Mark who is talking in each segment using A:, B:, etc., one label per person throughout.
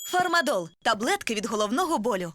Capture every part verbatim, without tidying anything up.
A: Фармадол – таблетки від головного болю.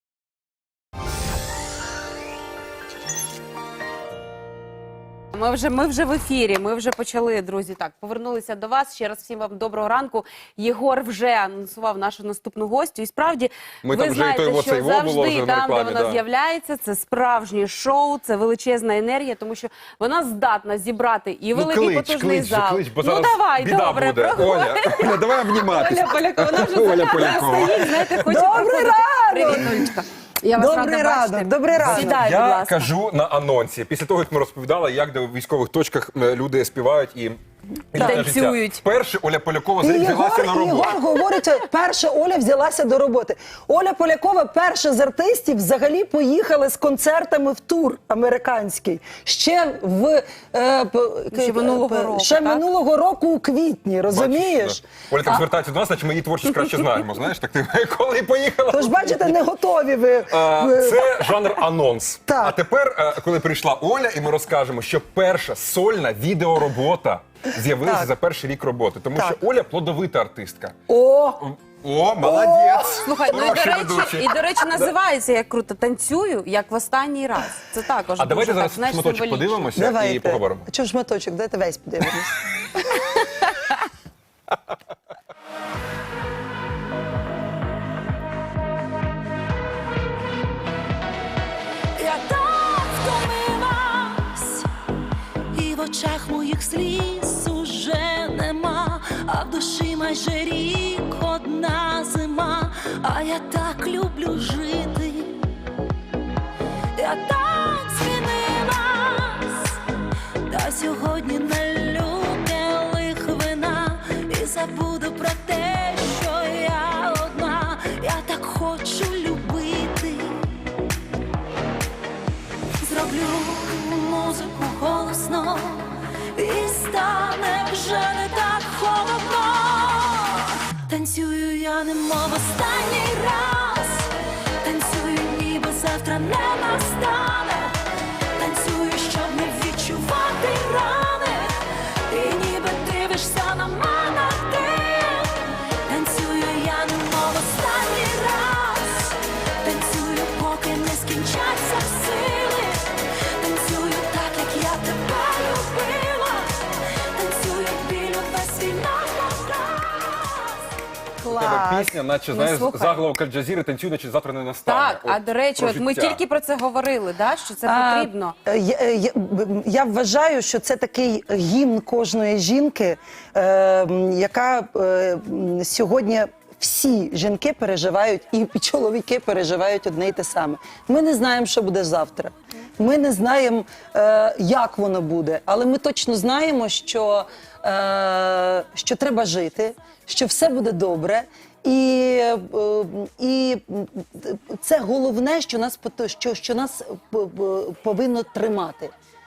B: Ми вже, ми вже в ефірі, ми вже почали, друзі. Так, повернулися до вас. Ще раз всім вам доброго ранку. Єгор вже анонсував нашу наступну гостю. І справді,
C: ми
B: ви
C: там
B: знаєте,
C: вже і
B: що завжди там, де вона
C: да.
B: з'являється, це справжнє шоу, це величезна енергія, тому що вона здатна зібрати і великий
C: ну, клич,
B: потужний
C: клич,
B: зал.
C: Клич, бо
B: ну давай,
C: біда
B: добре,
C: буде.
B: проходь.
C: Оля, Оля, давай обніматися.
B: Оля Полякова, вона вже
C: Оля Полякова.
B: стоїть, знаєте, хоче
D: Добрий
B: проходити.
D: ранок!
B: Привіт, Олечка. Я вас
D: Добрий
B: рада
D: ранок,
B: бачити.
D: добрий ранок.
B: Сідай, будь
C: Я
B: ласка.
C: кажу на анонсі, після того, як ми розповідали, як де в військових точках е, люди співають і
B: І танцюють.
C: Перше Оля Полякова
D: І
C: взялася на
D: Єгор,
C: роботу.
D: Єгор говорить, перше Оля взялася до роботи. Оля Полякова перша з артистів взагалі поїхала з концертами в тур американський. Ще в е, п-
B: Ще минулого
D: е,
B: року,
D: ще
B: так?
D: минулого року у квітні, розумієш?
C: Бачиш, да. Оля так звертається до нас, наче ми її творчість краще знаємо. Знаєш, так ти коли поїхала.
D: Тож, бачите, не готові ви.
C: А,
D: ви-
C: Це жанр анонс.
D: Так.
C: А тепер, е, коли прийшла Оля, і ми розкажемо, що перша сольна відеоробота з'явилася
D: Так.
C: за перший рік роботи. Тому
D: Так.
C: що Оля плодовита артистка.
D: О!
C: О, молодець!
B: Слухай, ну і до,
C: Хороший
B: речі,
C: ведучий.
B: і, до речі, називається як круто «Танцюю, як в останній раз». Це також
C: А давайте
B: дуже,
C: зараз
B: так, знаєш,
C: шматочок
B: символічно.
C: подивимося і
D: Давайте.
C: поговоримо.
D: А чого шматочок? Дайте весь подивимось.
E: Я так втомилась, і в очах моїх сліз уже нема, а в душі майже рік одна зима, а я так люблю жити, я так змінилась, та сьогодні налю келих вина і забуду про те, що я одна, я так хочу любити. Зроблю музику голосно, і стане вже не так холодно. Танцюю я немов останній раз, танцюю ніби завтра не настане, танцюю, щоб не відчувати рани, і ніби дивишся на мене ти. Танцюю я немов останній раз, танцюю, поки не скінчаться сили, танцюю так, як я тебе любила, танцюю біль увесь свій напоказ.
C: У тебе пісня, наче, знаєш,
B: слухай.
C: заголовок Аль-Джазіри «Танцюй, наче завтра не настане».
B: Так, а
C: От
B: до речі,
C: про
B: от ми
C: життя.
B: тільки про це говорили, да, що це
D: А,
B: потрібно.
D: е, Я, е, я, б- я вважаю, що це такий гімн кожної жінки, е, м, яка е, м, сьогодні всі жінки переживають, і чоловіки переживають одне й те саме. Ми не знаємо, що буде завтра. Ми не знаємо, е, як воно буде, але ми точно знаємо, що, е, що треба жити, що все буде добре. І, е, і це головне, що нас, пото- що, що нас п- п- повинно тримати.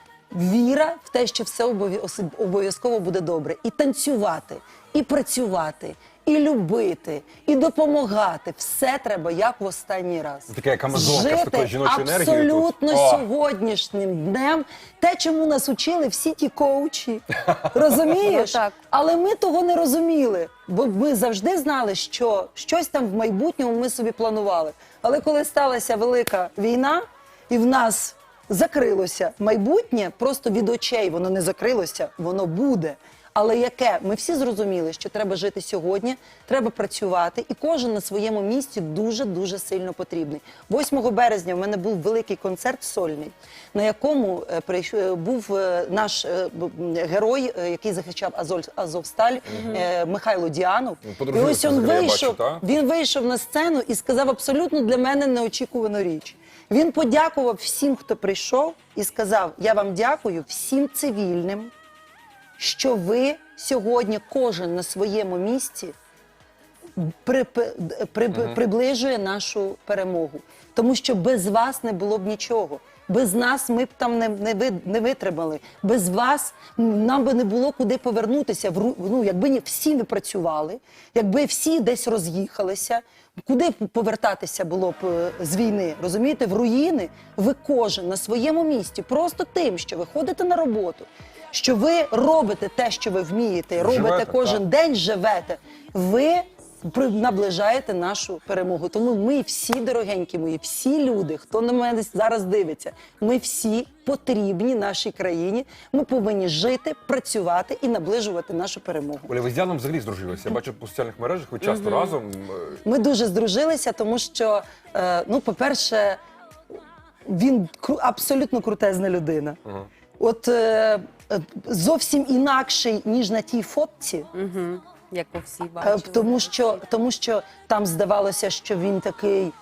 D: Віра в те, що все обов'яз- обов'язково буде добре. І танцювати, і працювати, і любити, і допомагати. Все треба, як в останній раз.
C: Таке, як Амазонка з такою жіночою енергією тут.
D: абсолютно
C: О.
D: сьогоднішнім днем. Те, чому нас учили всі ті коучі. Розумієш?
B: Ну, так.
D: Але ми того не розуміли, бо ми завжди знали, що щось там в майбутньому ми собі планували. Але коли сталася велика війна, і в нас закрилося майбутнє, просто від очей воно не закрилося, воно буде. Але яке? Ми всі зрозуміли, що треба жити сьогодні, треба працювати, і кожен на своєму місці дуже-дуже сильно потрібний. восьмого березня в мене був великий концерт сольний, на якому е, прийш- е, був е, наш е, б- герой, е, який захищав Азов, Азовсталь, е, Михайло Діанов.
C: Ну,
D: І
C: подружилися
D: ось він
C: взагалі, я
D: вийшов,
C: бачу, та?
D: він вийшов на сцену і сказав абсолютно для мене неочікувану річ. Він подякував всім, хто прийшов, і сказав: я вам дякую всім цивільним, що ви сьогодні кожен на своєму місці при, при, при, приближує нашу перемогу. Тому що без вас не було б нічого. Без нас ми б там не, не, ви- не витримали. Без вас нам би не було куди повернутися. В ру- Ну, якби ні- всі не працювали, якби всі десь роз'їхалися, куди б повертатися було б е, з війни? Розумієте, в руїни ви кожен на своєму місці, просто тим, що ви ходите на роботу, що ви робите те, що ви вмієте, робите
C: Живете,
D: кожен
C: так.
D: день, живете. Ви при- наближаєте нашу перемогу. Тому ми всі, дорогенькі мої, всі люди, хто на мене зараз дивиться, ми всі потрібні нашій країні. Ми повинні жити, працювати і наближувати нашу перемогу.
C: Оля, ви з Яном взагалі здружилися. Я бачу по соціальних мережах, ви часто разом. е,
D: Ми дуже здружилися, тому що, е, ну, по-перше, він кру- абсолютно крутезна людина. От е, е, зовсім інакший, ніж на тій фотці.
B: Угу. Як ви всі
D: Е,
B: бачили.
D: Тому що, тому що там здавалося, що він такий,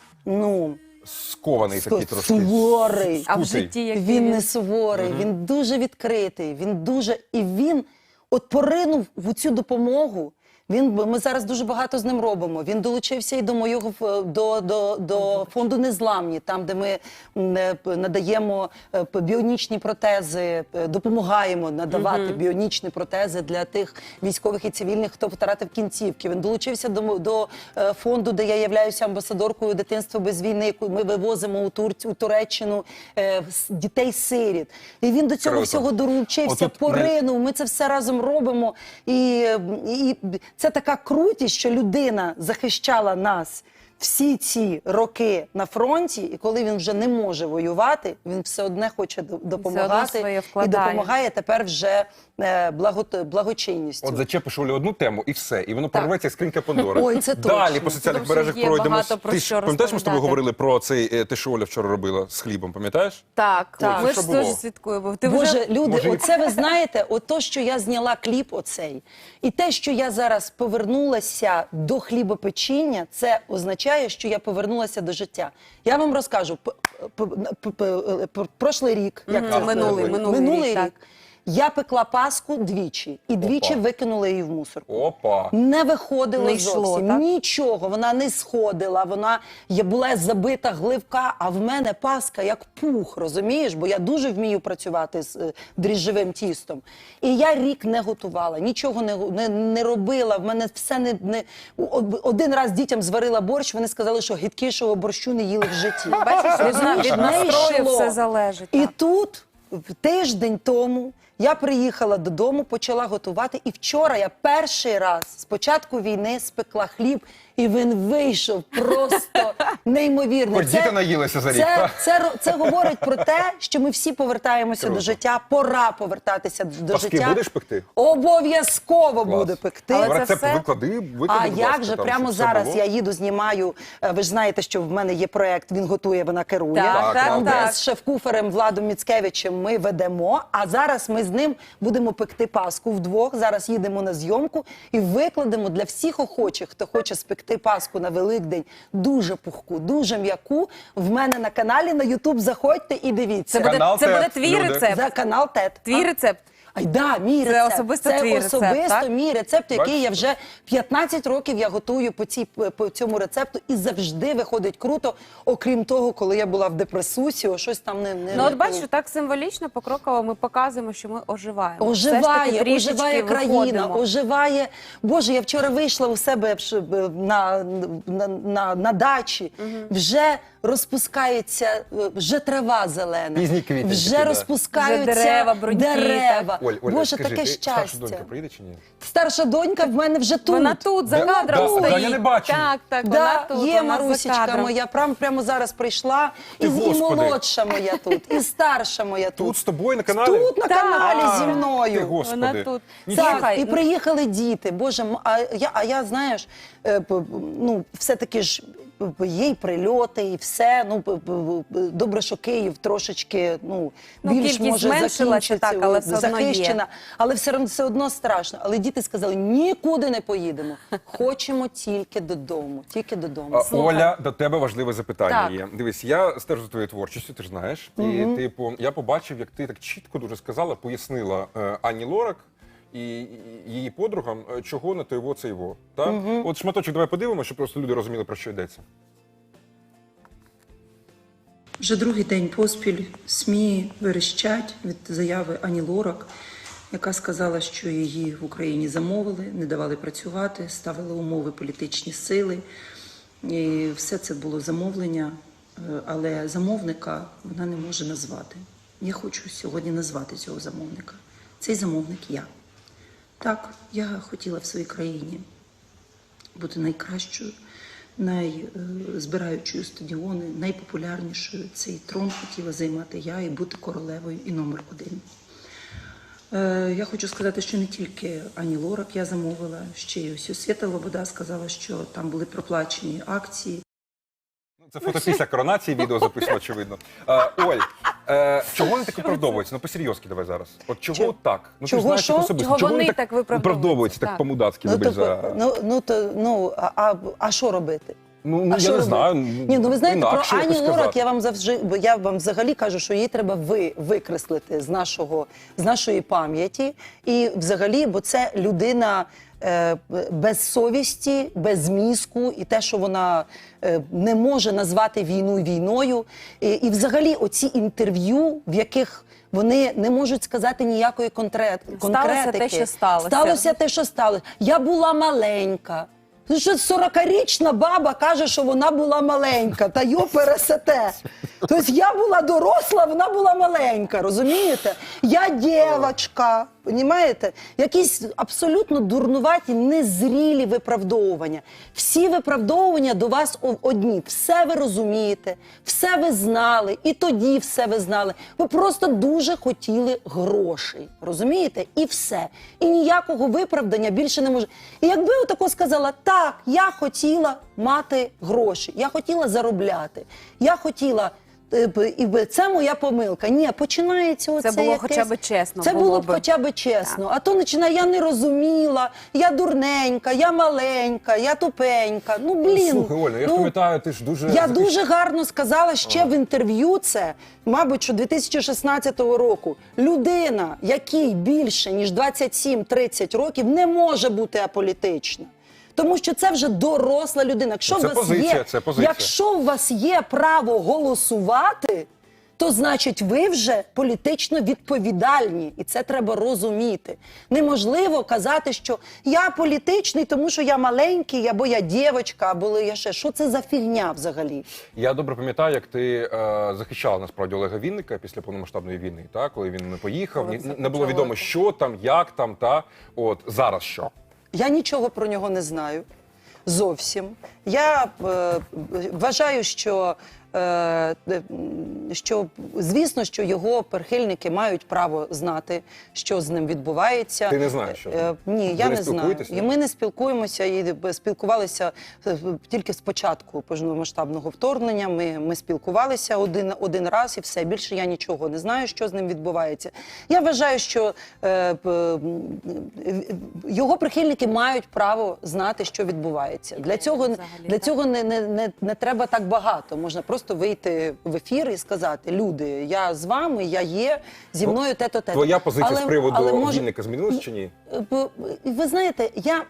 D: ну,
C: Скований такий трошки.
D: суворий.
B: А в
C: скутий.
B: житті який
D: Він не суворий, він дуже відкритий, він дуже. І він от поринув в цю допомогу. Він, ми зараз дуже багато з ним робимо. Він долучився і до моєго ф- до, до, до фонду Незламні, там, де ми м, е, п- надаємо е, п- біонічні протези, е, допомагаємо надавати біонічні протези для тих військових і цивільних, хто втратив кінцівки. Він долучився до, м- до е, фонду, де я являюся амбасадоркою дитинства без війни, яку ми вивозимо у, Турці, у Туреччину е, с- дітей-сиріт. І він до цього
C: Круто.
D: всього долучився,
C: Отут не-
D: поринув. Ми це все разом робимо. І, і це така крутість, що людина захищала нас всі ці роки на фронті, і коли він вже не може воювати, він все одне хоче до- допомагати
B: своє
D: і
B: вкладає.
D: допомагає тепер вже е, благо, благочинністю.
C: От зачепиш Олю одну тему і все, і воно порветься як скринька Пандори.
D: Ой, це
C: Далі
D: точно.
C: по соціальних
B: Тому що
C: мережах
B: є
C: пройдемо.
B: багато про
C: Ти
B: що
C: ж пам'ятаєш, ми з тобою
B: розповідати.
C: говорили про цей е, те, що Оля вчора робила з хлібом, пам'ятаєш?
B: Так,
C: Ой,
B: ми
C: що
B: ж
C: було?
B: теж слідкуємо. Ти
D: Боже,
B: вже...
D: люди,
C: Може, і-
D: оце ви знаєте, ото, що я зняла кліп оцей, і те, що я зараз повернулася до хлібопечіння, це означає, що я повернулася до життя. Я вам розкажу, п- п- п- п- п- прошлий рік, як
B: Мгм,
D: це
B: минулий,
D: минулий,
B: минулий рік, так.
D: рік, я пекла паску двічі, і двічі
C: Опа.
D: викинула її в мусорку.
C: Опа.
D: Не виходило
B: Не йшло,
D: зовсім
B: так?
D: нічого. Вона не сходила, вона є- була забита гливка, а в мене паска як пух, розумієш? Бо я дуже вмію працювати з е, дріжджовим тістом. І я рік не готувала, нічого не, го- не, не робила. В мене все не, не... о- Один раз дітям зварила борщ, вони сказали, що гидкішого борщу не їли в житті.
B: Бачиш, від,
D: Розумієш,
B: від
D: не
B: настрою
D: йшло.
B: все залежить.
D: І
B: так.
D: тут, в тиждень тому, я приїхала додому, почала готувати. І вчора я перший раз з початку війни спекла хліб, і він вийшов просто неймовірно.
C: Хоч діти наїлися за рік,
D: це,
C: та?
D: це, ро- це говорить про те, що ми всі повертаємося
C: Круто.
D: до життя. Пора повертатися до
C: Паски
D: життя.
C: будеш пекти?
D: Обов'язково
C: Клас.
D: буду пекти.
B: Але це
C: Рецепт
B: все-
C: виклади, виклади,
D: А
C: будь
D: як
C: ласка,
D: же
C: там,
D: прямо
C: щоб все
D: зараз
C: було.
D: я їду, знімаю. е, Ви ж знаєте, що в мене є проект. Він готує, вона керує.
B: Так,
C: так,
D: Там,
B: так.
D: де з шеф-куферем Владом Міцкевичем ми ведемо. А зараз ми з ним будемо пекти паску вдвох. Зараз їдемо на зйомку і викладемо для всіх охочих, хто хоче спекти паску на Великдень, дуже пухку, дуже м'яку. В мене на каналі на Ютуб заходьте і дивіться.
B: Це буде,
C: Канал
B: це буде
C: ТЕТ,
B: твій
C: люди.
B: рецепт.
D: За канал ТЕТ.
B: Твій
D: А?
B: рецепт.
D: Ай, да, мій
B: Це
D: рецепт.
B: особисто
D: це
B: твій рецепт,
D: особисто
B: так?
D: мій рецепт, який
C: Бачите?
D: я вже п'ятнадцять років я готую по, цій, по цьому рецепту, і завжди виходить круто, окрім того, коли я була в депресусі, о, щось там не... не
B: Ну от бачиш, так символічно, покроково ми показуємо, що ми оживаємо. Все ж таки
D: Оживає,
B: трішечки
D: оживає країна,
B: виходимо.
D: оживає. Боже, я вчора вийшла у себе в ш- б- на, на, на, на дачі, вже розпускається, е, вже трава зелена,
C: Пізній квітень
D: вже
C: такий, да.
D: розпускаються
B: Вже дерева, бруньки,
D: дерева.
C: Оль, Оля,
D: Боже,
C: скажи,
D: таке
C: ти старша
D: щастя.
C: донька приїде чи ні?
D: Старша донька в мене вже тут.
B: Вона тут, за
C: Да?
B: кадром
C: Да,
B: стоїть.
C: да, я не бачу.
B: Так, так,
D: Да,
B: вона тут,
D: є
B: вона за
D: Марусічка
B: кадром.
D: моя, прямо, прямо зараз прийшла, і,
C: Ти,
D: і
C: Господи.
D: молодша моя тут, і старша моя тут.
C: Тут з тобою на каналі?
D: Тут на
B: Так.
D: каналі зі
C: Ти,
D: мною.
C: Господи.
B: Вона тут.
C: Нічого.
D: Так,
B: Слухай,
D: і приїхали діти. Боже, м- а я, а я знаєш, е, п- ну, все-таки ж п- є й прильоти, і все. Ну, п- п- п- добре, що Київ трошечки, ну,
B: Ну,
D: більш
B: кількість
D: може
B: зменшилася,
D: закінчиться,
B: так, але все одно є.
D: захищена. Але все одно, все одно страшно. Але діти сказали, нікуди не поїдемо. Хочемо тільки додому, тільки додому.
C: А,
B: Слухай.
C: Оля, до тебе важливе запитання
B: Так.
C: є. Дивись, я стежу за твоєю творчістю, ти ж знаєш. І типу, я побачив, як ти так чітко дуже сказала, пояснила е, Ані Лорак і і її подругам, е, чого не то його, це його. Так? От шматочок давай подивимося, щоб просто люди розуміли, про що йдеться.
F: Вже другий день поспіль СМІ верещать від заяви Ані Лорак, яка сказала, що її в Україні замовили, не давали працювати, ставили умови політичні сили. І все це було замовлення, е, але замовника вона не може назвати. Я хочу сьогодні назвати цього замовника. Цей замовник я. Так, я хотіла в своїй країні бути найкращою, найзбираючою стадіони, найпопулярнішою. Цей трон хотіла займати я і бути королевою і номер один. Е, Я хочу сказати, що не тільки Ані Лорак я замовила, ще й ось Свята Лобода сказала, що там були проплачені акції.
C: Це фото після коронації, відео записано, очевидно. Е, Оль, е, чого вони так виправдовуються? Ну, по-серйозки давай зараз. От чого
D: Чого?
C: так? Ну, ти
D: Чого
C: ж знаєш
D: що?
C: їх особисто.
B: Чого вони так виправдовуються?
C: виправдовуються так
B: Так.
C: по-мудацьки,
D: Ну,
C: вибач
D: то,
C: за...
D: ну, ну, то, ну, а, а, а що робити?
C: Ну, ну
D: А
C: я
D: що
C: не
D: робити?
C: знаю.
D: Ні, ну ви знаєте,
C: інакше
D: про
C: якось
D: Ані Лорак
C: сказати.
D: я вам завжди, я вам взагалі кажу, що її треба ви, викреслити з нашого, з нашої пам'яті. І взагалі, бо це людина е, без совісті, без мізку, і те, що вона е, не може назвати війну війною. І, і взагалі, оці інтерв'ю, в яких вони не можуть сказати ніякої конкрет, конкретики.
B: те, що сталося.
D: Сталося те, що сталося. Я була маленька. Ну, що сорокарічна баба каже, що вона була маленька, та йо пересете. Тобто я була доросла, вона була маленька, розумієте? Я дівчинка, розумієте? Якісь абсолютно дурнуваті, незрілі виправдовування. Всі виправдовування до вас о- одні. Все ви розумієте, все ви знали, і тоді все ви знали. Ви просто дуже хотіли грошей, розумієте? І все. І ніякого виправдання більше не може. І якби отако сказала, так, я хотіла мати гроші, я хотіла заробляти, я хотіла, е, б- і б- це моя помилка. Ні, починається оце
B: було
D: якесь-
B: хоча б чесно,
D: Це
B: було
D: було б
B: би.
D: хоча б чесно. А то починає, я не розуміла, я дурненька, я маленька, я тупенька. Ну, блін.
C: Слухай, Оля, я ж
D: ну,
C: пам'ятаю, ти ж дуже...
D: я
C: захищ-
D: дуже гарно сказала ще в інтерв'ю це, мабуть, що дві тисячі шістнадцятого року. Людина, якій більше, ніж двадцять сім тридцять років, не може бути аполітична. Тому що це вже доросла людина. Якщо
C: Це
D: у вас
C: позиція,
D: є,
C: це позиція.
D: Якщо у вас є право голосувати, то значить ви вже політично відповідальні. І це треба розуміти. Неможливо казати, що я політичний, тому що я маленький, або я дівчинка, або я ще. Що це за фігня взагалі?
C: Я добре пам'ятаю, як ти е, захищала насправді Олега Вінника після повномасштабної війни, та? Коли він не поїхав,
B: Коли
C: ні-
B: це
C: не було відомо,
B: почалося.
C: що там, як там, та от зараз що.
D: Я нічого про нього не знаю. Зовсім. Я е, вважаю, що, е, е, що, звісно, що його прихильники мають право знати, що з ним відбувається.
C: Ти не знаєш, що з ним?
D: Е, Ні,
C: Ви
D: я
C: не
D: не знаю.
C: спілкуєтесь, ні?
D: І ми не спілкуємося, і спілкувалися е, тільки з початку повномасштабного вторгнення. Ми, ми спілкувалися один, один раз і все. Більше я нічого не знаю, що з ним відбувається. Я вважаю, що е, п- м, е, його прихильники мають право знати, що відбувається. Для цього,
B: взагалі,
D: для
B: так?
D: цього не, не, не, не треба так багато. Можна просто вийти в ефір і сказати: люди, я з вами, я є, зі мною те-то, те-то.
C: Твоя позиція
D: Але-
C: з приводу
D: але може-
C: Вінника змінилась чи ні?
D: Бо, ви знаєте, я,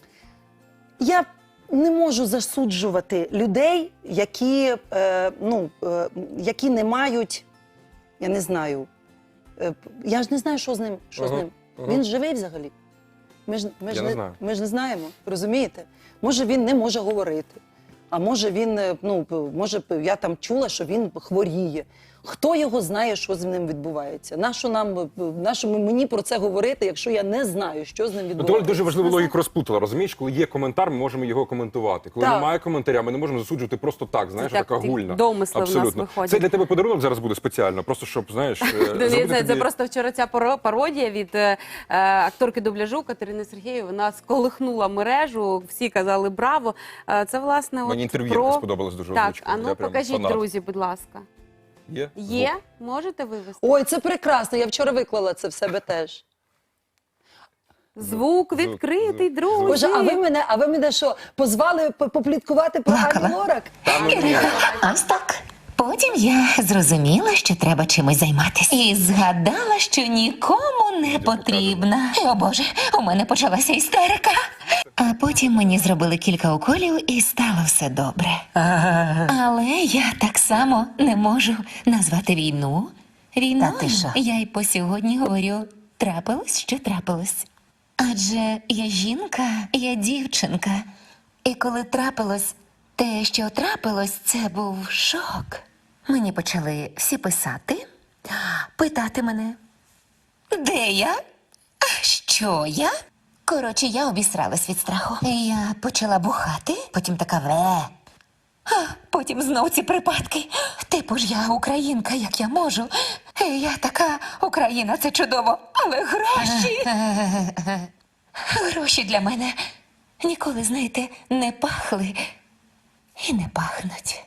D: я не можу засуджувати людей, які, е, ну, е, які не мають, я не знаю, е, я ж не знаю, що з ним. Що з
C: Ага,
D: ним.
C: ага.
D: Він живий взагалі? Ми ж, ми,
C: Я
D: ж
C: не
D: не,
C: знаю.
D: ми ж не знаємо, розумієте? Може, він не може говорити. А може він, е, ну, п- може, п- я там чула, що він хворіє. Хто його знає, що з ним відбувається? Нащо нам, е, нащо мені про це говорити, якщо я не знаю, що з ним
C: Ну,
D: відбувається?
C: Доля дуже важливу логіку розплутала, розумієш? Коли є коментар, ми можемо його коментувати. Коли
D: Так.
C: немає коментаря, ми не можемо засуджувати просто так, знаєш,
B: так,
C: така
B: ті
C: гульна.
B: домисли в нас
C: Абсолютно.
B: виходять.
C: Це для тебе подарунок зараз буде спеціально, просто щоб, знаєш, е,
B: Ну,
C: зробити
B: Це, це
C: тобі-
B: просто вчора ця паро- пародія від е, е, акторки дубляжу Катерини Сергієвої. Вона сколихнула мережу, всі казали браво. Е, це, власне, от
C: Мені інтерв'ю
B: про...
C: сподобалось дуже
B: Так,
C: озвучка.
B: а ну
C: Я прям
B: покажіть,
C: фанат.
B: друзі, будь ласка.
C: Є?
B: Є?
C: Звук.
B: Можете вивести?
D: Ой, це прекрасно. Я вчора виклала це в себе теж.
B: Звук
C: звук,
B: відкритий,
C: звук.
B: друзі.
D: Боже, а ви мене, а ви мене що, позвали п- попліткувати про Ані Лорак?
G: Ось так. Потім я зрозуміла, що треба чимось займатися. І згадала, що нікому не потрібна. О Боже, у мене почалася істерика. А потім мені зробили кілька уколів і стало все добре. Але я так само не можу назвати війну війною.
H: Та ти що?
G: Я й по сьогодні говорю, трапилось, що трапилось. Адже я жінка, я дівчинка. І коли трапилось те, що трапилось, це був шок. Мені почали всі писати, питати мене, де я? Що я? Коротше, я обісралась від страху. Я почала бухати, потім така ве. А потім знов ці припадки. Типу ж я українка, як я можу. І я така Україна, це чудово. Але гроші. Гроші для мене ніколи, знаєте, не пахли і не пахнуть.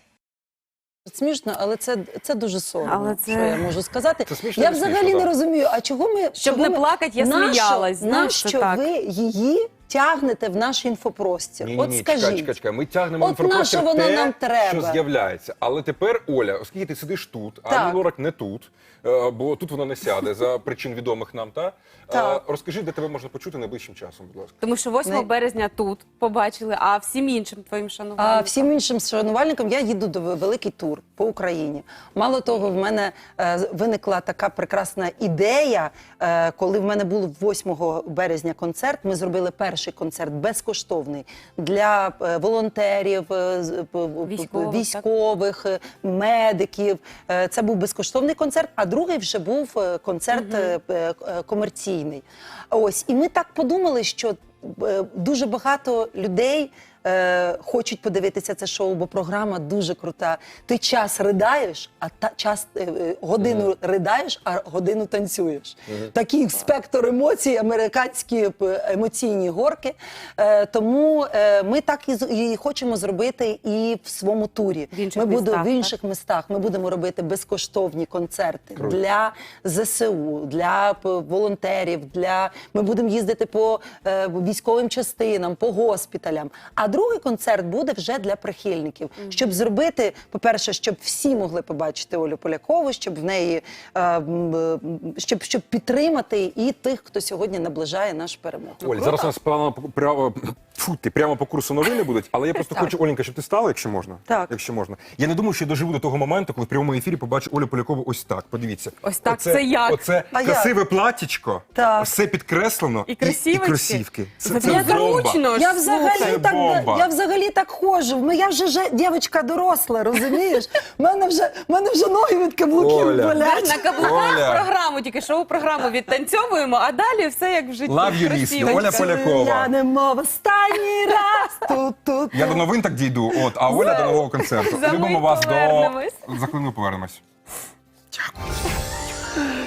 D: Смішно, але це, це дуже соромно,
B: Але це-
D: що я можу сказати.
C: Це смішно,
D: Я
C: не
D: взагалі
C: смішно,
D: не
C: так.
D: розумію, а чого ми...
B: Щоб
D: чого
B: не
D: ми-
B: плакать, я
D: нащо-
B: сміялась, знаєш,
D: Нащо
B: так.
D: ви її тягнете в наш інфопростір?
C: Ні, ні,
D: От
C: ні,
D: скажіть.
C: чекай, чекай, чекай. Ми тягнемо
D: От
C: інформацію
D: нащо воно
C: те,
D: нам треба?
C: що з'являється. Але тепер, Оля, оскільки ти сидиш тут, а
D: Так.
C: Ані Лорак не тут, е, бо тут вона не сяде за причин відомих нам, та?
D: Так.
C: Е, Розкажи, де тебе можна почути найближчим часом, будь ласка.
B: Тому що восьмого березня тут побачили, а всім іншим твоїм шанувальникам.
D: А всім іншим шанувальникам я їду до великий тур по Україні. Мало того, в мене е, виникла така прекрасна ідея, е, коли в мене був восьмого березня концерт. Ми зробили перший концерт безкоштовний для е, волонтерів, е, з- п- п-
B: Військових,
D: військових, е, медиків. Е, Це був безкоштовний концерт, а другий вже був е, концерт е, е, комерційний. Ось, і ми так подумали, що е, дуже багато людей е, хочуть подивитися це шоу, бо програма дуже крута. Ти час ридаєш, а та час е, е, годину ридаєш, а годину танцюєш. Такий спектр емоцій, американські п- емоційні горки. Е, тому е, ми так і, з- і хочемо зробити і в своєму турі.
B: В інших
D: ми будемо
B: містах,
D: в інших містах. Ми будемо робити безкоштовні концерти для ЗСУ, для п- волонтерів. Для ми будемо їздити по е, військовим частинам, по госпіталям. А другий концерт буде вже для прихильників, щоб зробити, по-перше, щоб всі могли побачити Олю Полякову, щоб в неї е, м, е, щоб, щоб підтримати і тих, хто сьогодні наближає нашу перемогу.
C: Оль, зараз у нас прямо, прямо, фу, ти, прямо по курсу новини будуть, але я просто
D: Так.
C: хочу, Оленька, щоб ти стала, якщо можна.
D: Так.
C: Якщо можна. Я не думаю, що я доживу до того моменту, коли в прямому ефірі побачу Олю Полякову ось так. Подивіться.
B: Ось так, це як?
C: Оце
D: А як?
C: красиве платтячко,
D: Так.
C: все підкреслено
B: І
C: і,
B: кросівочки.
C: і кросівки. Це,
B: Це
C: це
B: як
C: бомба.
B: зручно.
D: Я
B: Слухай.
D: взагалі
C: Це
D: так
C: бомба.
D: я взагалі так ходжу. Ну, я вже же дівчинка доросла, розумієш? У мене вже в мене вже ноги від каблуків
C: Оля.
D: болять.
B: На каблуках
C: Оля.
B: програму, тільки шоу-програму відтанцьовуємо, а далі все як в житті.
C: Love you,
B: Красиво.
C: Лісі. Оля Полякова.
D: Я не мов останній раз тут тут.
C: Я до новин так дійду, от, а Оля до нового концерту.
B: За
C: Любимо
B: мить
C: вас
B: повернемось.
C: до... За хвилину повернемось. Дякую.